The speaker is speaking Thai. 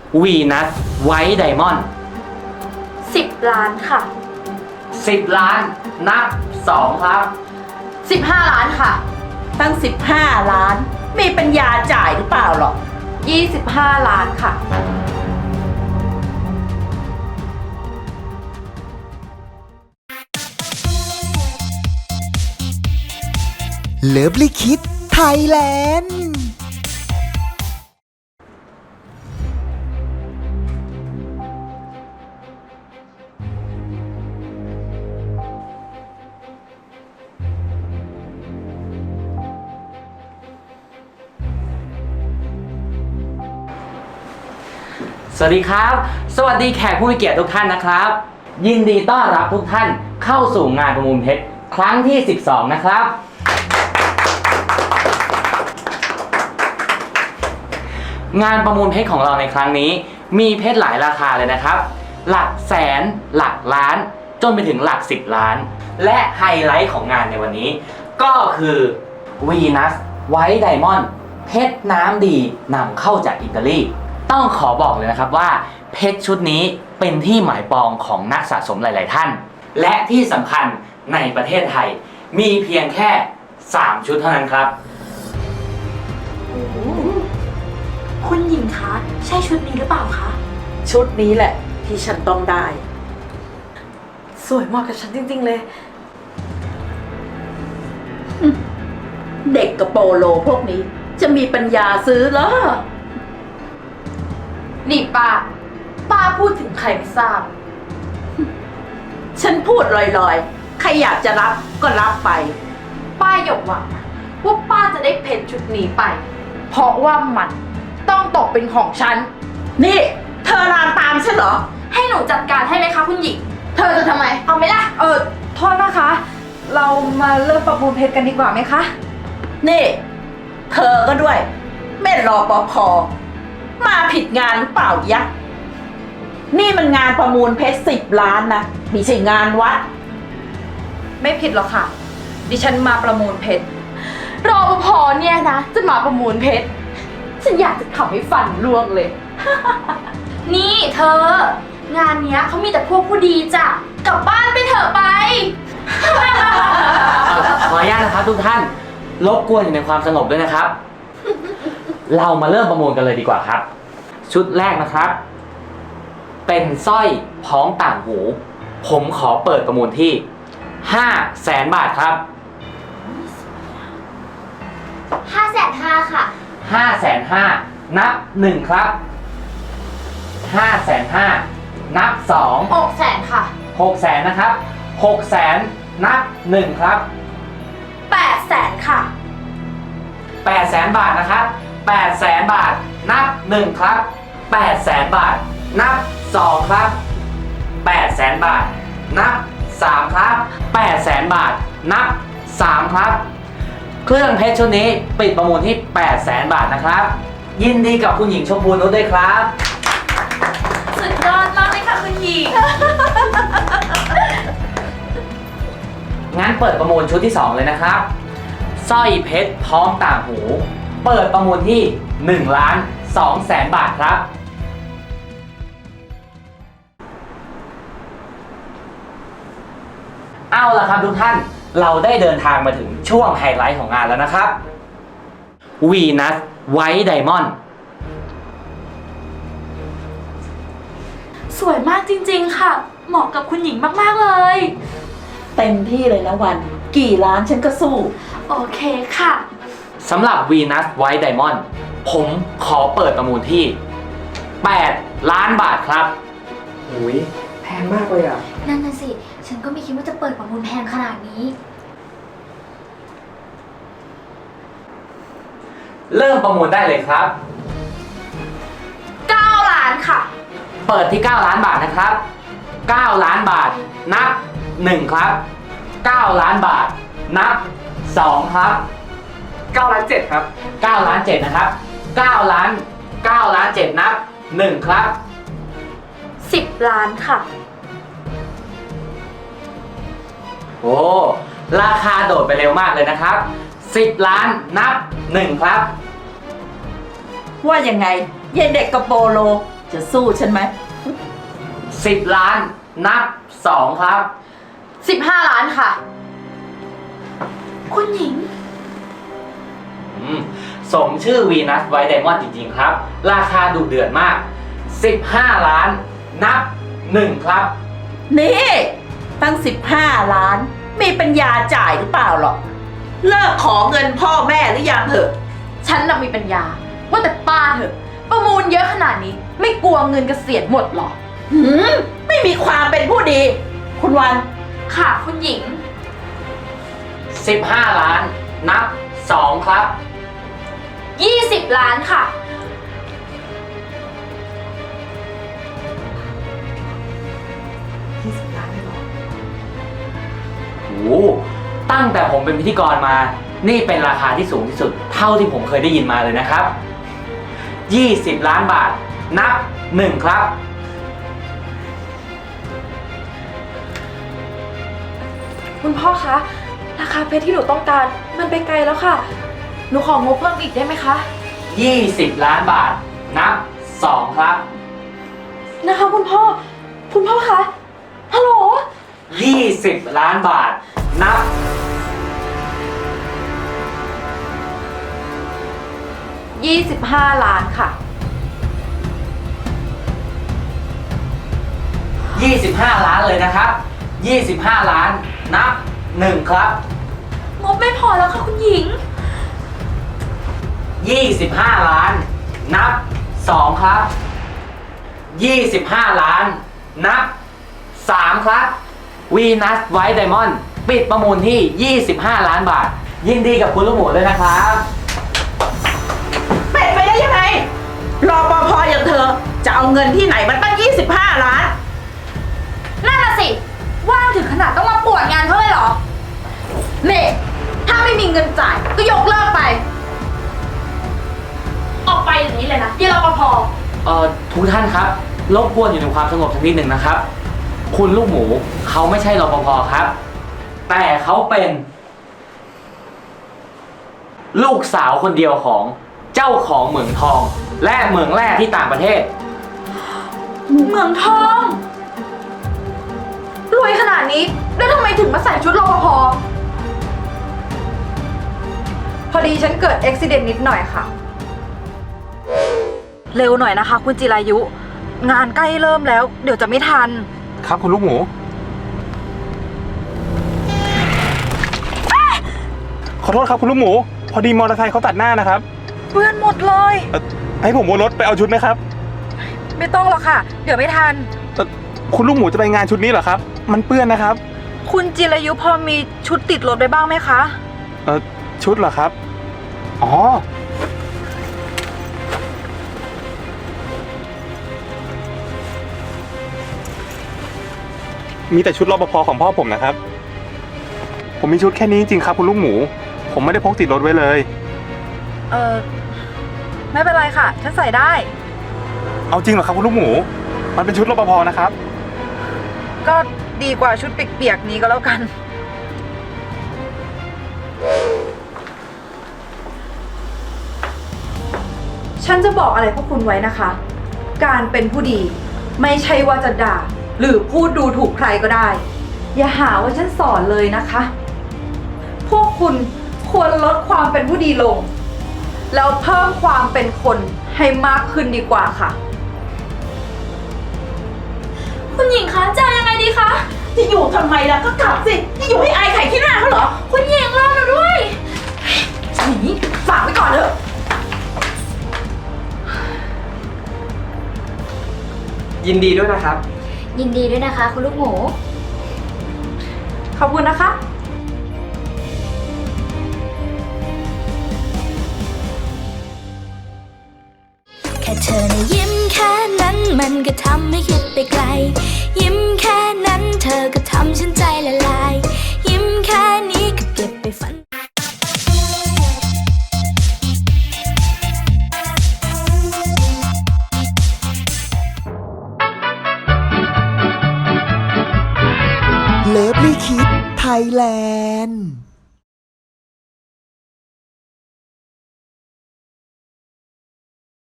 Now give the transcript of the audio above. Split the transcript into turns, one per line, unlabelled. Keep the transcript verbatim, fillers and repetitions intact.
วีนัสไวท์ไดมอนด์
สิบล้านค่ะ
สิบล้านนับสองครับ
สิบห้าล้านค่ะ
ตั้งสิบห้าล้านมีปัญญาจ่ายหรือเปล่าหรอก
ยี่สิบห้าล้านค่ะ
เลิฟลิคิดไทยแลนด์
สวัสดีครับ สวัสดีแขกผู้มีเกียรติทุกท่านนะครับ ยินดีต้อนรับทุกท่านเข้าสู่งานประมูลเพชรครั้งที่สิบสองนะครับงานประมูลเพชรของเราในครั้งนี้มีเพชรหลายราคาเลยนะครับหลักแสนหลักล้านจนไปถึงหลักสิบล้านและไฮไลท์ของงานในวันนี้ก็คือวีนัสไวท์ไดมอนด์เพชรน้ำดีนำเข้าจากอิตาลีต้องขอบอกเลยนะครับว่าเพชรชุดนี้เป็นที่หมายปองของนักสะสมหลายๆท่านและที่สำคัญในประเทศไทยมีเพียงแค่สามชุดเท่านั้นครับ
คุณหญิงคะใช่ชุดนี้หรือเปล่าคะ
ชุดนี้แหละที่ฉันต้องได้สวยเหมาะกับฉันจริงๆเลยเด็กกับโปโลพวกนี้จะมีปัญญาซื้อเหรอ
นี่ป้าป้าพูดถึงใครไม่ทราบ
ฉันพูดลอยๆใครอยากจะรับก็รับไป
ป้าอย่าหวังว่าป้าจะได้เพชรชุดนี้ไปเพราะว่ามันต้องตกเป็นของฉัน
นี่เธอลามตามฉันเหรอ
ให้หนูจัดการให้ไหมคะคุณหญิง
เธอจะทำไม
เอาไหมล่ะ
เออโทษนะคะ เรามาเริ่มประมูลเพชรกันดีกว่าไหมคะ
นี่เธอก็ด้วยแม่รอปภมาผิดงานหรือเปล่ายะนี่มันงานประมูลเพชรสิบล้านนะไม่ใช่งานวัด
ไม่ผิดหรอกค่ะดิฉันมาประมูลเพชร
รอปภเนี่ยนะจะมาประมูลเพชรฉันอยากจะขับให้ฟันร่วงเลย นี่เธองานเนี้ยเขามีแต่พวกผู้ดีจ้ะกลับบ้านไปเถอะไป
ขออนุญาตนะครับทุกท่านรบกวนอยู่ในความสงบด้วยนะครับ เรามาเริ่มประมูลกันเลยดีกว่าครับชุดแรกนะครับเป็นสร้อยพ้องต่างหูผมขอเปิดประมูลที่ห้าแสนบาทครับ
ห้าแสนห้าค่ะ
ห้าแสนห้านับหนึ่งครับห้าแสนห้านับสอง
หกแสนค่ะ
หกแสนนะครับหกแสนนับหนึ่งครับ
แปดแสนค่ะ
แปดแสนบาทนะครับแปดแสนบาทนับหนึ่งครับแปดแสนบาทนับสองครับแปดแสนบาทนับสามครับแปดแสนบาทนับสามครับเครื่องเพชรชุดนี้ปิดประมูลที่แปดแสนบาทนะครับยินดีกับคุณหญิงชมพูนุชด้วยครับ
สุดยอดมากเลยค่ะคุณหญิง
งั้นเปิดประมูลชุดที่สองเลยนะครับสร้อยเพชรพร้อมต่างหูเปิดประมูลที่หนึ่งล้านสองแสนบาทครับเอาล่ะครับทุกท่านเราได้เดินทางมาถึงช่วงไฮไลท์ของงานแล้วนะครับวีนัสไวท์ไดมอนด์
สวยมากจริงๆค่ะเหมาะกับคุณหญิงมากๆเลย
เต็มที่เลยนะวันกี่ล้านฉันก็สู้
โอเคค่ะ
สำหรับวีนัสไวท์ไดมอนด์ผมขอเปิดประมูลที่แปดล้านบาทครับ
โอ้ยแพงมากเลยอ่ะ
นั่นน่ะสิฉันก็ไม่คิดว่าจะเปิดประมูลแพงขนาดนี้
เริ่มประมูลได้เลยครับ
เก้าล้านค่ะ
เปิดที่เก้าล้านบาทนะครับเก้าล้านบาทนับหนึ่งครับเก้าล้านบาทนับสองครับ
เก้าล้านเจ็ดครับ
เก้าล้านเจ็ดนะครับเก้าล้านเก้าล้านเจ็ดนับหนึ่งครับ
สิบล้านค่ะ
โอ้ราคาโดดไปเร็วมากเลยนะครับสิบล้านนับหนึ่งครับ
ว่ายังไงเย็นเด็กกับโปโลจะสู้ฉันไหม
สิบล้าน นับสองครับ
สิบห้าล้านค่ะ คุณหญิง
อืมสมชื่อวีนัสไวท์ไดมอนด์จริงๆครับ ราคาดุเดือดมาก สิบห้าล้าน นับหนึ่งครับ
นี่ตั้งสิบห้าล้าน มีปัญญาจ่ายหรือเปล่าหรอก เลิกขอเงินพ่อแม่หรือยังเถอะ
ฉันน่ะมีปัญญา ว่าแต่ป้าเถอะ ประมูลเยอะขนาดนี้ ไม่กลัวเงินเกษียณหมดหรอ
หืม ไม่มีความเป็นผู้ดี คุณวัน
ค่ะคุณหญิง
สิบห้าล้าน นับสองครับ
ยี่สิบล้านค่ะ
โอ้โหตั้งแต่ผมเป็นพิธีกรมา นี่เป็นราคาที่สูงที่สุด เท่าที่ผมเคยได้ยินมาเลยนะครับ ยี่สิบล้านบาท นับหนึ่งครับ
คุณพ่อคะ ราคาเพชรที่หนูต้องการ มันไปไกลแล้วค่ะ หนูของงบเพิ่มอีกได้ไหมคะ
ยี่สิบล้านบาท นับสองครับ
นะคะคุณพ่อ คุณพ่อคะ ฮัลโหล
ยี่สิบล้านบาท นับ
ยี่สิบห้าล้านค่ะ
ยี่สิบห้าล้านเลยนะครับ ยี่สิบห้าล้าน นับหนึ่งครับ
งบไม่พอแล้วค่ะคุณหญิง
ยี่สิบห้าล้าน นับสองครับ ยี่สิบห้าล้าน นับสามครับ วีนัสไวท์ไดมอนด์ปิดประมูลที่ ยี่สิบห้าล้านบาท ยินดีกับคุณลูกหมูด้วยนะครับ
เป็นไปได้ยังไง รอปภอย่างเธอ จะเอาเงินที่ไหนมันตั้งยี่สิบห้าล้าน
นั่นน่ะสิ ว่างถึงขนาดต้องมาปวดงานเขาเลยเหรอเน่ถ้าไม่มีเงินจ่ายก็ยกเลิกไป ออกไปอย่างนี้เลยนะยี่รปภ
เอ่อทุกท่านครับ รบกวนอยู่ในความสงบสักนิดหนึ่งนะครับ คุณลูกหมูเขาไม่ใช่รปภครับ แต่เขาเป็น ลูกสาวคนเดียวของเจ้าของเหมืองทอง และเหมืองแร่ที่ต่างประเทศ
เมืองทอง รวยขนาดนี้ แล้วทำไมถึงมาใส่ชุดรปภ
พอดีฉันเกิดอุบิเหตุนิดหน่อยค่ะ เร็วหน่อยนะคะ คุณจิรายุ งานใกล้เริ่มแล้ว เดี๋ยวจะไม่ทัน
ครับคุณลูกหมู ขอโทษครับคุณลูกหมู พอดีมอเตอร์ไซค์เขาตัดหน้านะครับ
เปื้อนหมดเลย
เอ่อให้ผมวนรถไปเอาชุดไหมครับ
ไม่ต้องหรอกค่ะ เดี๋ยวไม่ทัน
เอ่อคุณลูกหมูจะไปงานชุดนี้เหรอครับ มันเปื้อนนะครับ
คุณจิรายุพอมีชุดติดรถไปบ้างไหมคะ
เออชุดเหรอครับ อ๋อ มีแต่ชุดรปภของพ่อผมนะครับ ผมมีชุดแค่นี้จริงๆครับคุณลูกหมู ผมไม่ได้พกติดรถไว้เลย
เออไม่เป็นไรค่ะ ฉันใส่ได้
เอาจริงเหรอครับคุณลูกหมู มันเป็นชุดรปภนะครับ
ก็ดีกว่าชุดเปียกๆนี้ก็แล้วกัน ฉันจะบอกอะไรพวกคุณไว้นะคะ การเป็นผู้ดีไม่ใช่ว่าจะด่า หรือพูดดูถูกใครก็ได้ อย่าหาว่าฉันสอนเลยนะคะ พวกคุณควรลดความเป็นผู้ดีลง แล้วเพิ่มความเป็นคนให้มากขึ้นดีกว่าค่ะ
คุณหญิงคะจะยังไงดีคะ
จะอยู่ทำไมล่ะก็กลับสิ จะอยู่ให้อายไข่ขี้หน้าเขาเหรอ
คุณหญิงรอหนูด้วย
หนีฝากไว้ก่อนเถอะ
ยินดีด้วยนะครับ
ยินดีด้วยนะคะ คุณลูกหมู
ขอบคุณนะคะ
แค่เธอนะยิ้มแค่นั้นมันก็ทำให้คิดไปไกล ยิ้มแค่นั้นเธอก็ทำฉันใจละลาย ยิ้มแค่นี้ก็เก็บไปฝัน
เลิฟลี่คิดไทยแลนด์